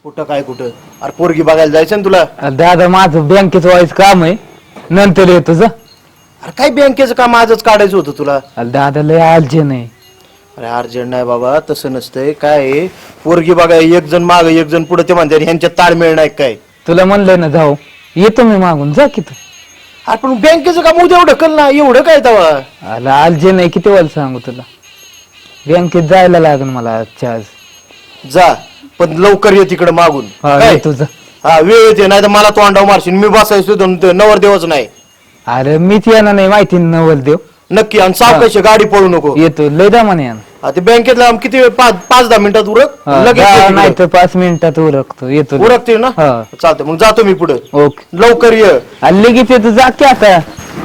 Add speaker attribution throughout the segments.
Speaker 1: कुठं काय कुठं? अरे पोरगी बघायला जायचं ना तुला?
Speaker 2: दादा माझं बँकेचं व्हायचं काम आहे, नंतर येतो जा.
Speaker 1: अरे काय बँकेचं काम आजच काढायचं होतं तुला?
Speaker 2: दादा लय आलजे नाही.
Speaker 1: अरे अर्जंट नाही बाबा, तसं नसतंय. काय आहे, पोरगी बघाय एक जण माग एक जण पुढे, ते म्हणते ह्यांच्यात ताळमेळ नाही काय.
Speaker 2: तुला म्हणलं ना जाऊ, येतो मी मागून, जा की तू.
Speaker 1: अरे पण बँकेचं काम उद्या एवढं ढकल ना, एवढं काय तवा?
Speaker 2: आला आलजे नाही, किती वेळ सांगू तुला. बँकेत जायला लागेल मला आजच्या आज.
Speaker 1: जा, पण लवकर ये तिकडे मागून. काय
Speaker 2: तुझं
Speaker 1: हा वेळ येते, नाही तर मला तोंडाव मारशील. मी बसायचो नवरदेवच नाही.
Speaker 2: अरे मीच येणार नाही, माहिती नवल देव.
Speaker 1: नक्की, आणि सावकाशी गाडी पळू नको.
Speaker 2: येतो लय दामाने येणार.
Speaker 1: ते बँकेतला किती वेळ? 5-10 मिनिटात उरक लगेच ये
Speaker 2: नाही
Speaker 1: तिकडं.
Speaker 2: तर 5 मिनिटात उरकतो, येतो.
Speaker 1: उरकते ना?
Speaker 2: हा.
Speaker 1: चालतंय, मग जातो मी पुढे.
Speaker 2: ओके.
Speaker 1: लवकर ये.
Speaker 2: लगेच येतो, जा की आता.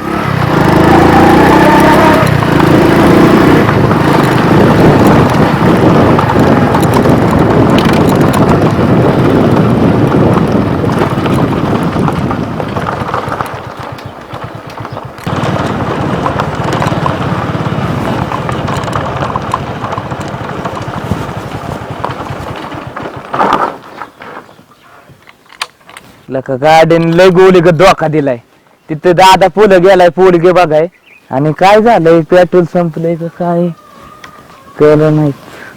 Speaker 2: लका गार्डन लय गोली ग धोका दिलाय. तिथे दादा पुढे गेलाय पोरगे बघाय, आणि काय झालंय, पेट्रोल संपलंय का काय कळलं नाही.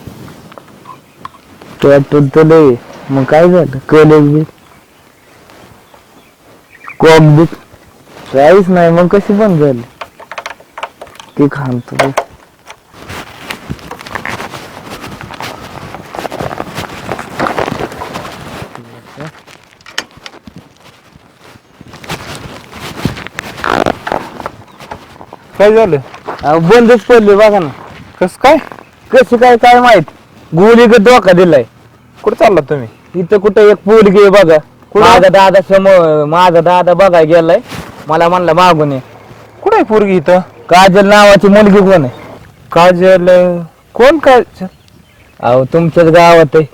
Speaker 2: पेट्रोल तर लय, मग काय झालं, कॉलेज बी कॉक बी काहीच नाही, मग कशी बंद झाली ती खांबतो.
Speaker 1: काय झालं?
Speaker 2: बंदच पडले बघा ना.
Speaker 1: कस काय?
Speaker 2: कशी काय काय माहित, गोली ग धोका दिलाय.
Speaker 1: कुठे चालला तुम्ही?
Speaker 2: इथं कुठं एक पोरगी आहे बघा, माझा दादा समोर, माझा दादा बघा गेलाय, मला म्हणला मागून ये.
Speaker 1: कुठे आहे पोरगी इथं?
Speaker 2: काजल नावाची मुलगी कोण आहे?
Speaker 1: काजल? कोण काजल?
Speaker 2: अहो तुमच्याच गावात आहे.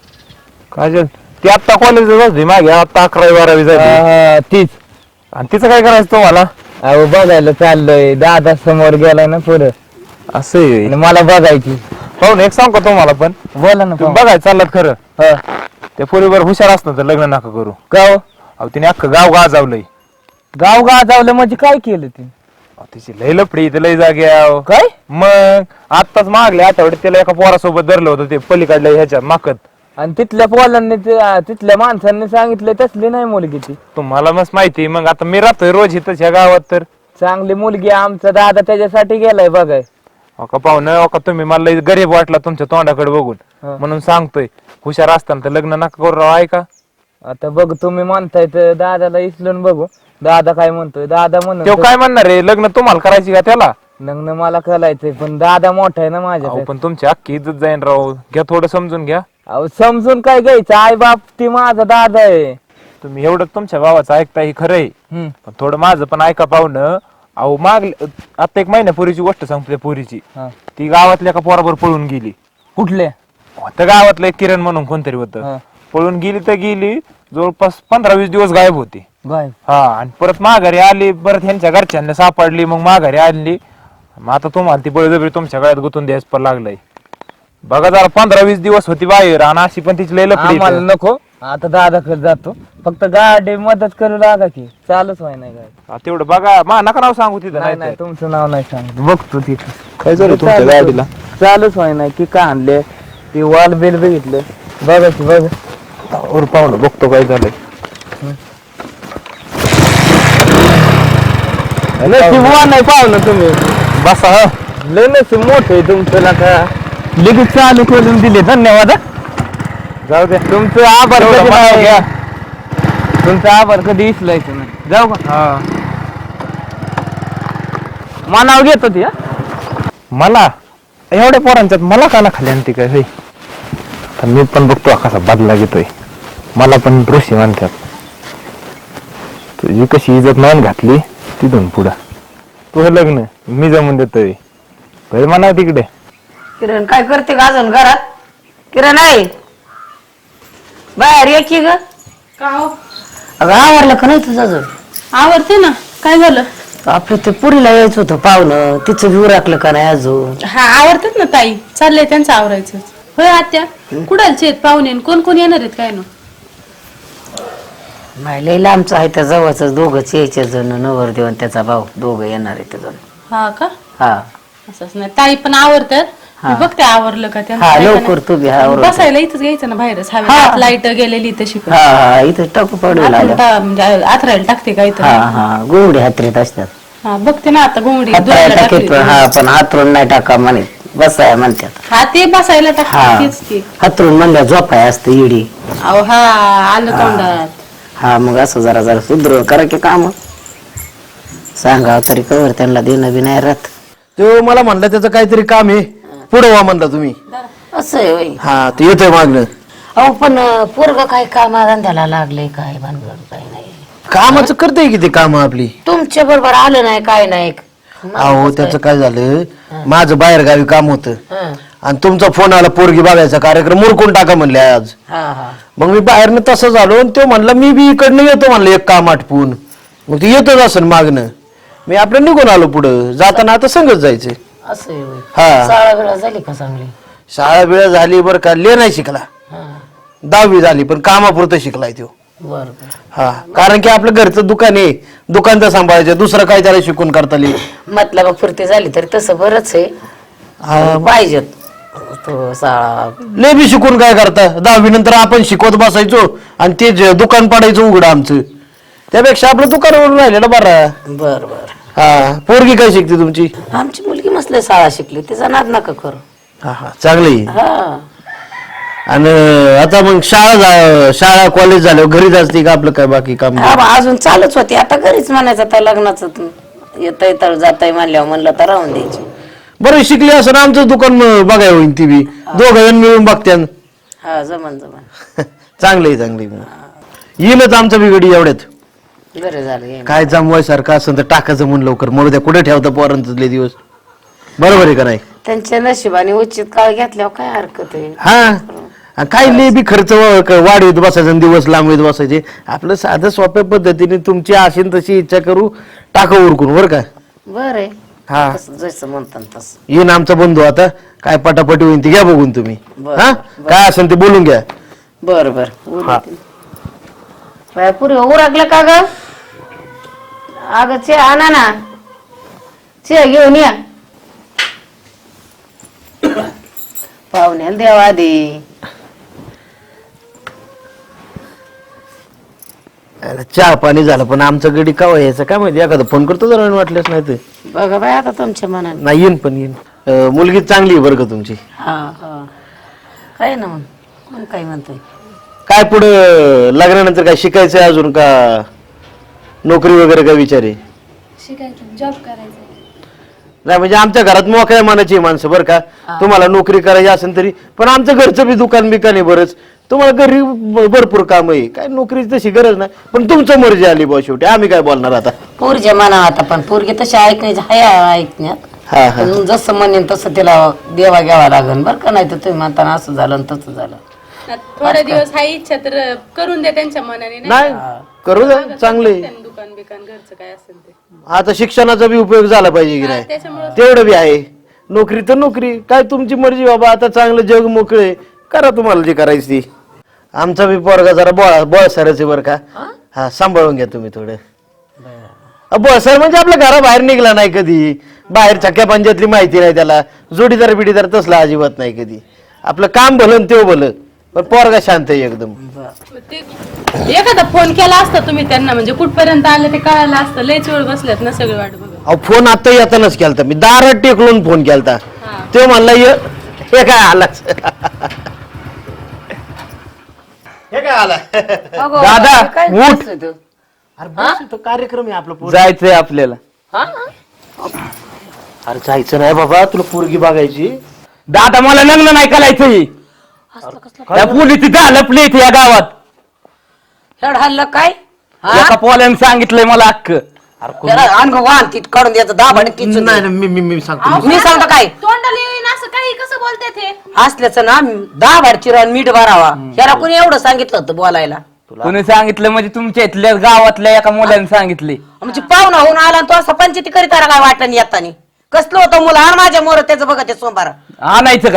Speaker 1: काजल ती आता कॉलेजला जाते, मागे आता 11वी-12वी झाली.
Speaker 2: तीच.
Speaker 1: आणि तिचं काय करायचं तुम्हाला?
Speaker 2: अहो बघायला चाललोय, दादा समोर गेलाय ना पुढं,
Speaker 1: असं
Speaker 2: आणि मला बघायची.
Speaker 1: पाहून एक सांग का तुम्हाला, पण
Speaker 2: बोला ना.
Speaker 1: तुम्ही बघायचं चाललात खरं.
Speaker 2: हा.
Speaker 1: त्या पोरीवर हुशार असतं तर लग्न नका करू.
Speaker 2: का हो?
Speaker 1: अहो तिने अख्खं गाव गाजावलंय.
Speaker 2: गाव गाजावलं म्हणजे काय केलं ते?
Speaker 1: तिची लय लपडी, इथं लय जाग्या.
Speaker 2: काय?
Speaker 1: मग आत्ताच मागल्या आठवड्यात त्याला एका पोरासोबत धरलं होतं, ते पलीकडल्या ह्याच्यात माकत.
Speaker 2: आणि तिथल्या पोलांनी तिथल्या माणसांनी सांगितलं तसली नाही मुलगी ती.
Speaker 1: तुम्हाला मस्त माहिती. मग आता मी राहतोय रोज इथं ह्या गावात, तर
Speaker 2: चांगली मुलगी आमचा दादा त्याच्यासाठी गेलाय बघाय.
Speaker 1: का पाहुणं का तुम्ही मला लय गरीब वाटला तुमच्या तोंडाकडे बघून, म्हणून सांगतोय हुशार असताना तर लग्न नका करू राव. ऐका
Speaker 2: आता बघ, तुम्ही म्हणताय तर दादाला इचलून बघू, दादा काय म्हणतोय. दादा
Speaker 1: तो
Speaker 2: म्हणून
Speaker 1: काय म्हणणार आहे, लग्न तुम्हाला करायची का त्याला?
Speaker 2: लग्न मला करायचंय, पण दादा मोठा आहे ना माझ्या.
Speaker 1: अहो, पण तुमची अख्खी इज्जत जाईन राव. घ्या थोडं समजून घ्या.
Speaker 2: अहो समजून काय घ्यायचं, आई बाप ती माझा दादा आहे.
Speaker 1: तुम्ही एवढं तुमच्या भावाचं ऐकता ही खरंय, पण थोडं माझं पण ऐका पाहुणं. अहो आता 1 महिन्यापूर्वीची गोष्ट सांगतो. त्या पोरीची ती गावातल्या एका पोराबर पळून गेली.
Speaker 2: कुठले?
Speaker 1: होतं गावातलं एक किरण म्हणून कोणतरी होतं. पळून गेली तर गेली, जवळपास 15-20 दिवस गायब होती. हा, आणि परत माघारी आली. परत ह्यांच्या घरच्यांना सापडली, मग माघारी आणली. मग आता तुम्हाला ती बळजबरी तुमच्या गळ्यात गुतून द्यायच पण लागलंय. बघा जरा 15-20 दिवस होती बाहेर, आणि अशी पण तिची लय लपडी.
Speaker 2: आम्हाला नको, आता दादाकडे जातो. फक्त गाडी मदत करू लागा की, चालूच व्हाय नाही गाडी.
Speaker 1: तेवढं बघा. मा नका नाव सांगू तिथं.
Speaker 2: नाही नाही, तुमचं नाव नाही सांगत, बघतो तिथं
Speaker 1: काय झालं तुमच्या गाडीला.
Speaker 2: चालूच व्हाय नाही की, का आणले ती वॉल बिल बघितलं बघायची. बघ
Speaker 1: पाहुणं बघतो काय झालंय.
Speaker 2: नाही पाहुणं तुम्ही
Speaker 1: बसा.
Speaker 2: लय नशीब मोठं आहे तुमचं. नका लगेच चालू करून दिले, धन्यवाद.
Speaker 1: जाऊ द्या.
Speaker 2: तुमचं आभार
Speaker 1: एवढं
Speaker 2: कधी
Speaker 1: मला
Speaker 2: नाही.
Speaker 1: घ्या.
Speaker 2: तुमचं आभार कधी इचलायचं नाही. जाऊ का? मानाव घेत होती.
Speaker 1: मला एवढ्या पोरांच्यात मला काला खाली आणते काय होय? तर मी पण बघतो कसा बदला घेतोय. मला पण ऋषी म्हणतात. तुझी कशी इज्जत मान घातली तिथून पुढं तुझं लग्न मी जमून देतोय. म्हणा तिकडे.
Speaker 3: किरण काय करते का अजून घरात? किरण आहे बाहेर ये की ग.
Speaker 4: का हो?
Speaker 3: अगं आवरलं का नाही तुझं अजून?
Speaker 4: आवडते ना. काय झालं?
Speaker 3: आपलं ते पुरीला यायचं होतं पाहुणं, तिचं व्यू राखलं का नाही अजून?
Speaker 4: हा आवडतात ना ताई, चाललंय त्यांचं आवरायचं. होय आत्या कुडालचे आहेत पाहुणे कोण कोण येणार आहेत काय ना
Speaker 3: नाही लई लांबचं आहे त्या जवळच दोघंच यायचे जण नवरदेव आणि त्याचा भाऊ दोघं येणार आहे ते जण.
Speaker 4: हा का
Speaker 3: हा
Speaker 4: असंच नाही ताई पण आवरतात मी बघते आवरलं का त्यांचं
Speaker 3: हा
Speaker 4: काय का
Speaker 3: लवकर तू बी हा
Speaker 4: नाही.
Speaker 3: आवरून.
Speaker 4: बसायला इथंच घ्यायचं ना बाहेरच हवे लाईट गेलेली तशी पण
Speaker 3: हा हा इथं टाकू पडेल आलं.
Speaker 4: म्हणजे आथरायला टाकते काय तर
Speaker 3: हा हा गोवडी हातरीत असतात.
Speaker 4: हा बघते ना आता घोंगडी
Speaker 3: हातरायला
Speaker 4: धुवायला
Speaker 3: टाकीत
Speaker 4: टाकली
Speaker 3: पण हा पण हातरून नाही टाका म्हणे बसाय म्हणतात.
Speaker 4: हा ते बसायला
Speaker 3: हा
Speaker 4: टाकते तेच की
Speaker 3: हातरून म्हणल्या झोपाय असतं इडी.
Speaker 4: अहो हा आलं तोंडात
Speaker 3: हा मग असं जरा जरा सुधरून करा की काम सांगा तरी कवर त्यांना देणं बी नाही राहत.
Speaker 5: तो मला म्हणला त्याचं काहीतरी काम आहे पुढे व्हा म्हणला तुम्ही.
Speaker 3: असं आहे होय.
Speaker 5: हा ते येतोय मागणं.
Speaker 3: अहो पण पोरग काय कामाधंद्याला लागले काय भानगड काय नाही
Speaker 5: कामाचं करते की ते काम आपली.
Speaker 3: तुमच्या बरोबर आलं नाही काय नाही.
Speaker 5: अहो त्याचं काय झालं माझं बाहेर गावी काम होतं
Speaker 3: हं.
Speaker 5: आणि तुमचा फोन आला पोरगी बघायचा कार्यक्रम मुरकून टाका म्हणले आज.
Speaker 3: हा हा
Speaker 5: मग मी बाहेरनं तसं झालो आणि तो म्हणला मी बी इकडनं येतो म्हणलं एक काम आटपून. मग ते येतच असेल मागणं मी आपलं निघून आलो पुढं जाताना आता संगच जायचं.
Speaker 3: असं आहे होय.
Speaker 5: हा
Speaker 3: शाळा वेळा झाली का चांगली.
Speaker 5: शाळा वेळ झाली बरं का ले नाही शिकला
Speaker 3: हा
Speaker 5: 10वी झाली पण कामापुरतं शिकलाय तो.
Speaker 3: बर
Speaker 5: हा कारण की आपलं घरचं दुकान आहे दुकान तर सांभाळायचं दुसरं काय त्याला शिकून करता येईल.
Speaker 3: मतलब फुर्ती झाली तरी तसं बरंच आहे पाहिजेत तो शाळा.
Speaker 5: लय बी शिकून काय करता 10वी नंतर आपण शिकवत बसायचो आणि ते दुकान पाडायचं उघडं आमचं त्यापेक्षा आपलं दुकानावरून राहिलेलं बरं.
Speaker 3: बर बर
Speaker 5: हा पोरगी काय शिकते तुमची.
Speaker 3: आमची मुलगी मस्त शाळा शिकली तिचा नाद नका करू.
Speaker 5: हा हा चांगली.
Speaker 3: हा
Speaker 5: आणि आता मग शाळा कॉलेज झालं घरीच असते का आपलं काय बाकी काम.
Speaker 3: हा बा, अजून चालूच होती आता घरीच म्हणायचं आता लग्नाचं येतय तर जाताय म्हणल्यावर म्हणलं तर राहून द्यायची.
Speaker 5: बरं शिकली असं आमचं दुकान बघाय होईल ती बी दोघं जण मिळून बघत्यान.
Speaker 3: हा जमन जमन
Speaker 5: चांगली चांगली येईलच आमचं बिघडी एवढ्यात.
Speaker 3: बरं झालं ये.
Speaker 5: काय जमवाय सारखं असं तर टाकायचं म्हणून लवकर मरू द्या कुठे ठेवता पोरांचे दिवस बरोबर आहे का नाही.
Speaker 3: त्यांच्या नशिबाने उचित काळ घेतल्यावर काय हरकत आहे.
Speaker 5: हा आणि काय लय बी खर्च वाढवत बसायचा आणि दिवस लांबवीत बसायचे आपलं साधं सोप्या पद्धतीने तुमची असेल तशी इच्छा करू टाका उरकून बरं का.
Speaker 3: बर आहे
Speaker 5: हा
Speaker 3: तसं जसं म्हणतात तसं.
Speaker 5: येईन आमचा बंधू आता काय पटापटी होईल ती घ्या बघून तुम्ही.
Speaker 3: बरं,
Speaker 5: हा काय असेल ते बोलून घ्या.
Speaker 3: बर बर पुरे उरकलं का ग. अगं चे आणा ना चे घेऊन या पाहुण्याला देवा आधी.
Speaker 5: अरे, चहा पाणी झालं पण आमचं गडी का यायचं काय माहिती एखादा फोन करतो जरा वाटल्यास नाही तर.
Speaker 3: बघा बाय आता तुमच्या मनाने.
Speaker 5: नाही येईन पण येईन मुलगी चांगली आहे बरं का तुमची.
Speaker 3: हा हा काय ना मग मग काय म्हणतोय.
Speaker 5: काय पुढं लग्नानंतर काय शिकायचं आहे अजून का नोकरी वगैरे काय विचार आहे.
Speaker 4: शिकायचं जॉब करायचं
Speaker 5: नाही म्हणजे आमच्या घरात मोकळ्या मनाची आहे माणसं बरं का तुम्हाला नोकरी करायची असेल तरी पण आमचं घरचं बी दुकान बिकान आहे बरंच तुम्हाला घरी भरपूर काम आहे काय नोकरीची तशी गरज नाही पण तुमचं मर्जी आली बा शेवटी आम्ही काय बोलणार आता.
Speaker 3: पोरच्या मना आता पण पोरगी तशी ऐकण्याची हाय ऐकण्यात
Speaker 5: हा हा
Speaker 3: पण जसं म्हणेन तसं तिला देवा घ्यावा लागेल बरं का नाही तर तुम्ही म्हणताना असं झालं आणि तसं झालं.
Speaker 4: थोडे दिवस हाय इच्छा तर करून द्या त्यांच्या मनाने
Speaker 5: नाही करू द्या चांगले.
Speaker 4: दुकान बिकान घरचं काय असेल ते
Speaker 5: आता शिक्षणाचा बी उपयोग झाला पाहिजे की नाही तेवढं बी आहे. नोकरी तर नोकरी काय तुमची मर्जी बाबा आता चांगलं जग मोकळे करा तुम्हाला जी करायची ती. आमचा बी पोरगा जरा बळसरच आहे बरं का. हा सांभाळून घ्या तुम्ही थोडं. बळसर म्हणजे आपल्या घराबाहेर निघला नाही कधी बाहेर छक्क्या पंजातली माहिती नाही त्याला जोडीदार बिडीदार तसला अजिबात नाही कधी आपलं काम भलं ते भलं पण पोरगा शांत आहे एकदम.
Speaker 4: एखादा फोन केला असता तुम्ही त्यांना म्हणजे कुठपर्यंत आलं ते कळालं असतं लयच वेळ बसल्यात ना सगळे वाट बघत.
Speaker 5: अहो फोन आता येतानाच केलता मी दारात टेकलून फोन केलता तो म्हणला हे काय आला हे काय आला
Speaker 2: दादा
Speaker 3: काय
Speaker 2: उठ
Speaker 3: बसतोय तू?
Speaker 5: अरे बस इथं कार्यक्रम आहे आपलं
Speaker 2: जायचंय आपल्याला.
Speaker 5: अरे जायचं नाही बाबा तुला पोरगी बघायची.
Speaker 2: दादा मला लग्न नाही करायचंय त्या पोलीस तिथं लपली इथे या गावात
Speaker 3: हेड हल्लं काय
Speaker 2: एका पोल्याने सांगितलंय मला अक्क.
Speaker 3: अंग वाहन ती काढून द्यायचं दहा भांडे किचून
Speaker 5: नाही नाही, मी सांगतो
Speaker 3: मी सांगतो काय
Speaker 4: तोंडाला येईन असं काही कसं बोलते ते
Speaker 3: असल्याचं ना 10 भाड चिरून मीठ भरावा ह्याला कोणी एवढं सांगितलं होतं बोलायला.
Speaker 2: कोणी सांगितलं म्हणजे तुमच्या इथल्या गावातल्या एका मुलाने सांगितले.
Speaker 3: म्हणजे पाहुणा होऊन आला आणि तो असं पंचायती करीत आला काय वाटण येतानी कसलं होतं मुलं आणि माझ्या मोर त्याचं बघा ते सोमवार
Speaker 2: आणायचं का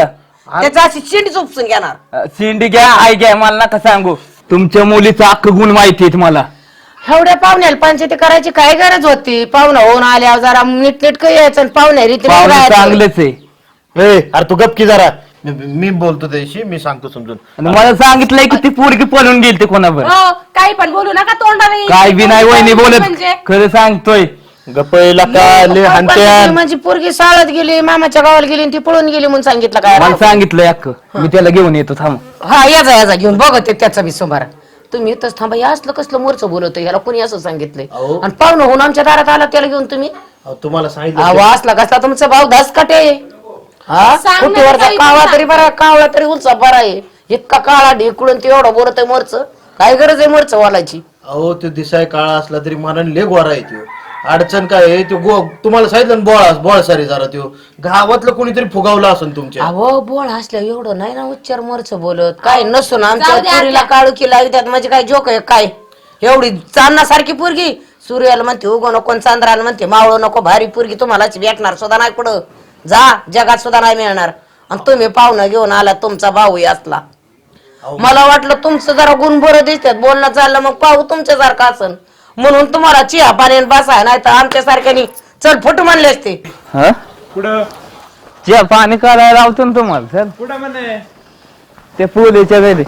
Speaker 3: त्याचा अशी शिंडी उपसून घेणार.
Speaker 2: शिंडी घ्या आई घ्या मला नका सांगू. तुमच्या मुलीचा अख्ख गुण माहिती आहेत मला.
Speaker 3: एवढ्या पाहुण्याला पंचायती करायची काय गरज होती? पाहुणा होऊन आल्यावर जरा नीटनेटकं यायचं आणि पाहुण्या रीतीने
Speaker 2: पाहुणे
Speaker 3: राहायचं.
Speaker 2: चांगलेच आहे.
Speaker 5: अरे तू गपकी जरा, मी बोलतो त्याशी, मी सांगतो समजून.
Speaker 2: आणि मला सांगितलंय की ती पोरगी पळून गेली ते कोणावर.
Speaker 4: हो काही पण बोलू नका तोंडाला येईल.
Speaker 2: काय बी नाही वहिनी बोलत,
Speaker 4: म्हणजे
Speaker 2: खरं सांगतोय.
Speaker 5: गप्पा का ले हाणत्यान.
Speaker 3: म्हणजे पोरगी शाळेत गेली, मामाच्या गावाला गेली आणि ती पळून गेली म्हणून सांगितलं काय?
Speaker 2: मला सांगितलंय अख्ख. मी त्याला घेऊन येतो थांब.
Speaker 3: हा याचा घेऊन बघते त्याचा बी सोमारा. तुम्ही इथंच थांबा. या असलं कसलं मोरचं बोलवतं, ह्याला कोणी असं सांगितलंय?
Speaker 5: अहो.
Speaker 3: आणि पाहुणं होऊन आमच्या दारात आला त्याला घेऊन तुम्ही
Speaker 5: तुम्हाला सांगितलं
Speaker 3: आवा असला कसला तुमचा भाऊ धसकाटे. हा
Speaker 4: सांग ना
Speaker 3: कुठेवरचा
Speaker 4: काही
Speaker 3: कावळा
Speaker 4: पण
Speaker 3: तरी बरा, कावळा तरी उंचा बरा आहे. इतका काळा ढेकुळून ते एवढं बोलत आहे मोरचं. काय गरज आहे मोरचं वालायची?
Speaker 5: अहो ते दिसाय काळा असला तरी मनाने लय गोरा आहे त्यो. अडचण काय आहे त्यो तुम्हाला सांगितलं ना, बोळ सारी जरा त्यो गावातलं कोणीतरी फुगावला असेल तुमच्या.
Speaker 3: अहो बोळ असल्या एवढं नाही ना उच्चार मोरचं बोलत. काय नसून आमच्या
Speaker 4: जाऊ द्या
Speaker 3: पोरीला काळू की लावतात म्हणजे काय जोक आहे काय? एवढी चांदणासारखी पोरगी सूर्याला म्हणते उगो नको आणि चंद्राला म्हणते मावळो नको. भारी पोरगी तुम्हालाच भेटणार सुद्धा नाही पुढं. जा जगात सुद्धा नाही मिळणार. आणि तुम्ही पाहुणं घेऊन आला, तुमचा भाऊ असला. मला वाटलं तुमचं जरा गुण बरं दिसतात, बोलणं चाललं मग पाहू तुमच्यासारखं असन म्हणून तुम्हाला चिहा पाण्याने बसाय, नाही तर आमच्या सारख्यानी चल फुट म्हणले असते.
Speaker 2: हा
Speaker 1: कुठं
Speaker 2: चहा पाणी करायला लावतो ना तुम्हाला सर.
Speaker 1: कुठं म्हणे
Speaker 2: ते पोलीच्या घरी.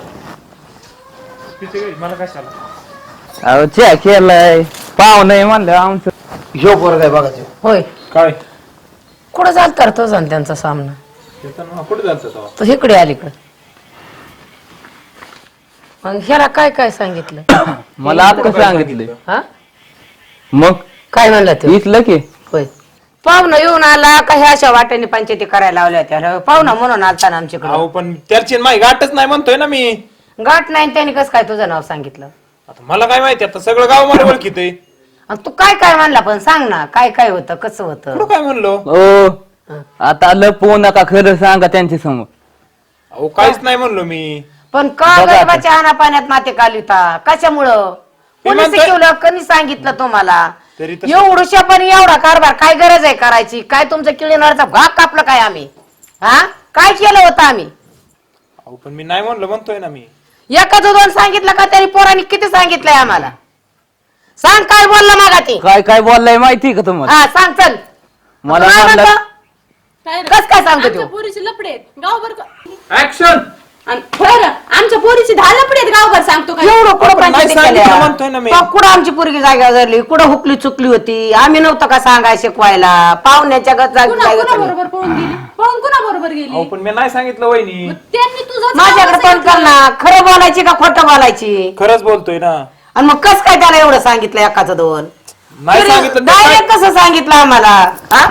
Speaker 1: मला कशाला?
Speaker 2: अहो चहा केलाय पाहुणे म्हणलं आमचं.
Speaker 5: ह्यो पोरगा आहे बघा त्यो.
Speaker 3: होय
Speaker 1: काय
Speaker 3: कुठं जात करतो जाण त्यांचा सामना?
Speaker 1: कुठे जातो
Speaker 3: तो इकडे अलीकडे. मग ह्याला काय काय सांगितलं?
Speaker 2: मला आता सांगितलंय.
Speaker 3: हा
Speaker 2: मग
Speaker 3: काय म्हणलं ते?
Speaker 2: इथलं की
Speaker 3: होय पाहुणा येऊन आला का ह्या अशा वाट्याने पंचायती करायला लावल्या होत्या? पाहुणा म्हणून आलता ना आमच्याकडे.
Speaker 1: अहो पण त्याची माही गाठच नाही म्हणतोय ना मी.
Speaker 3: गाठ नाही त्याने कसं काय तुझं नाव सांगितलं?
Speaker 1: आता मला काय माहिती, आता सगळं गाव मला ओळखीतय.
Speaker 3: आणि तू काय काय म्हणला पण सांग ना, काय काय होतं कसं होतं?
Speaker 1: कुठं काय म्हणलो?
Speaker 2: ओ आता लपवू नका, खरं सांगा त्यांच्या समोर.
Speaker 1: अहो काहीच नाही म्हणलो मी.
Speaker 3: पण का
Speaker 2: बघा आता.
Speaker 3: गरीबाच्या आणा पाण्यात माते कालिता कशामुळं? कोणी
Speaker 1: म्हणतोय-
Speaker 3: शिकवलं? कोणी सांगितलं तुम्हाला?
Speaker 1: तरी तसं-
Speaker 3: एवढूशा पण एवढा कारभार काय गरज आहे करायची? काय तुमचं किळीनारचा भाग कापलं काय आम्ही? हा काय केलं होतं आम्ही?
Speaker 1: अहो पण मी नाही म्हणलो म्हणतोय ना मी.
Speaker 3: एकाच दोन सांगितलं का? तरी पोरांनी किती सांगितलंय आम्हाला? सांग काय बोलला मागा ती?
Speaker 2: काय काय बोललाय माहिती का तुम्हाला?
Speaker 3: हा सांग चल.
Speaker 2: मला
Speaker 3: काय
Speaker 2: म्हणलं-
Speaker 3: म्हणतो?
Speaker 4: काय रे?
Speaker 3: कस काय सांगतो
Speaker 4: आमच्या
Speaker 3: तू?
Speaker 4: पोरीचे लपडे आहेत गावभर
Speaker 1: ऍक्शन.
Speaker 4: बरं आमच्या पोरीची 10 लपडे आहेत गावभर सांगतो काय?
Speaker 3: एवढं कुठं
Speaker 1: आपण नाही
Speaker 3: पंचायती
Speaker 1: सांगितलं
Speaker 3: केल्या?
Speaker 1: म्हणतोय ना मी.
Speaker 3: तो कुठं आमची पोरगी जागा धरली? कुठं हुकली चुकली होती? आम्ही नव्हतं का सांगाय शिकवायला? पाहुण्याच्या
Speaker 4: कुणा
Speaker 3: जागा
Speaker 4: बरोबर पळून गेली? पळून कुणा बरोबर
Speaker 1: अहो
Speaker 4: गेली?
Speaker 1: पण मी नाही सांगितलं वहिनी.
Speaker 4: मग त्यांनी तुझं
Speaker 3: माझ्याकडे पण कर ना. खरं बोलायची का खोटं बोलायची?
Speaker 1: खरंच बोलतोय ना.
Speaker 3: आणि मग कस काय त्याला एवढं सांगितलं एकाचं दोन?
Speaker 1: नाही सांगितलं तर
Speaker 3: डायरेक्ट कसं सांगितलं आम्हाला? हा?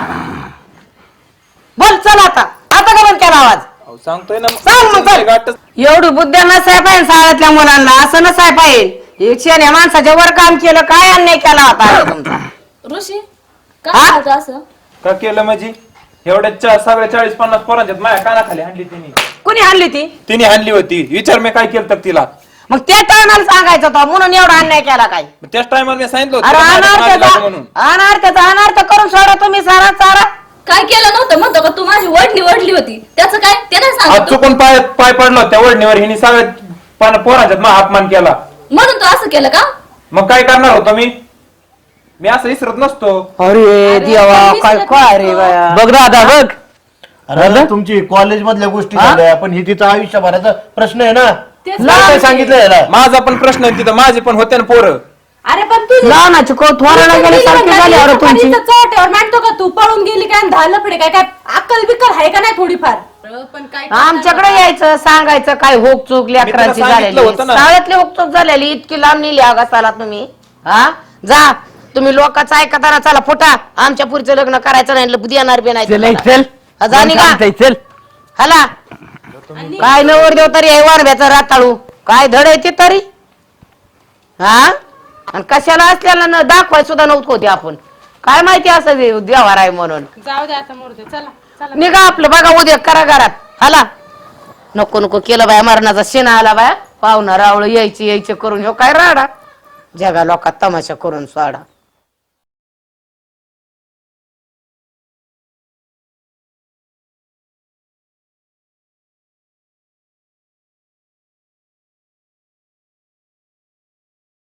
Speaker 3: बोल चल आता का बंद केला आवाज?
Speaker 1: अहो, सांगतोय ना.
Speaker 3: सांग मग चल.
Speaker 1: गाठच.
Speaker 3: एवढी बुद्ध्या नसाय पाहिजे शाळेतल्या मुलांना, असं नसाय पाहिजे. एकशे माणसाच्या वर काम केलं, काय अन्याय केला होता आता तुमचा?
Speaker 4: ऋषी
Speaker 3: हा?
Speaker 4: काय झालं असं?
Speaker 1: का केलं म्हणजे? एवढ्या सगळ्या 40-50 पोरांच्यात माझ्या कानाखाली हाणली तिने.
Speaker 3: कुणी आणली ती?
Speaker 1: तिने हाणली होती. विचार मी काय केलं तर तिला.
Speaker 3: मग त्या टायमाला सांगायचं होतं म्हणून एवढा अन्याय केला काय?
Speaker 1: मग त्याच टायमाला मी सांगितलं होतं
Speaker 3: अरे
Speaker 1: तिला माझ्या नादी लागू म्हणून.
Speaker 3: अनार्थाचा अनार्थ करून सोडा तुम्ही सारा चारा.
Speaker 6: काय केलं नव्हतं म्हणतो का तू माझी वडली होती त्याचं काय ते नाही
Speaker 1: आज
Speaker 6: सांगतो
Speaker 1: चुकून पाय पडलो त्या वडणीवर. हिने सगळ्या पोरांच्यात माझा अपमान केला.
Speaker 6: म्हणून तू असं केलं का?
Speaker 1: मग काय करणार होतो मी असं विसरत नसतो.
Speaker 3: अरे देवा काय काय रे बाया.
Speaker 2: बघ दादा बघ.
Speaker 5: अरे तुमची कॉलेज मधल्या गोष्टी झाल्या, पण ही तिचा आयुष्यभराचा प्रश्न आहे ना.
Speaker 4: तेच
Speaker 5: काय सांगितलं याला?
Speaker 1: माझा पण प्रश्न आहे तिथं. माझे पण होते ना पोरं.
Speaker 4: अरे पण तुझी
Speaker 3: लहानाची को थोराला गेले सारखी झाली अरे तुमची.
Speaker 4: चोट्यावर मांडतो का तू? पळून गेली काय? 10 लपडे काय? काय अक्कल बिक्कल आहे का नाही थोडीफार? पण काय
Speaker 3: आमच्याकडे यायचं सांगायचं काय होक चूक लेकरांची
Speaker 1: सांगितलं
Speaker 3: झालेली.
Speaker 1: होतं ना.
Speaker 3: शाळेतली होक चूक झालेली इतकी लांब नेली आगासाला तुम्ही. हा जा तुम्ही लोकांचं ऐकताना चला फुटा. आमच्या पुढचं लग्न करायचं नाही देणार बी नाही
Speaker 2: चल
Speaker 3: तुम्हाला.
Speaker 2: चल
Speaker 3: हा, जा निघा.
Speaker 2: थांबताय, चल.
Speaker 3: हला काय नवर देव तरी वारब्याचं राताळू काय धड आहे ते तरी. हा आणि कशाला असल्याला न दाखवाय सुद्धा नव्हतं होते आपण. काय माहिती असं व्यवहार आहे म्हणून.
Speaker 4: जाऊ दे आता मोरते. चला चला
Speaker 3: निघा आपलं बघा उद्या करा घरात. हला नको नको केलं बाया मरणाचा शेणा आला बाया. पाहुणा रावळ यायची करून ह्यो काय राडा जगा लोकात तमाशा करून सोडा.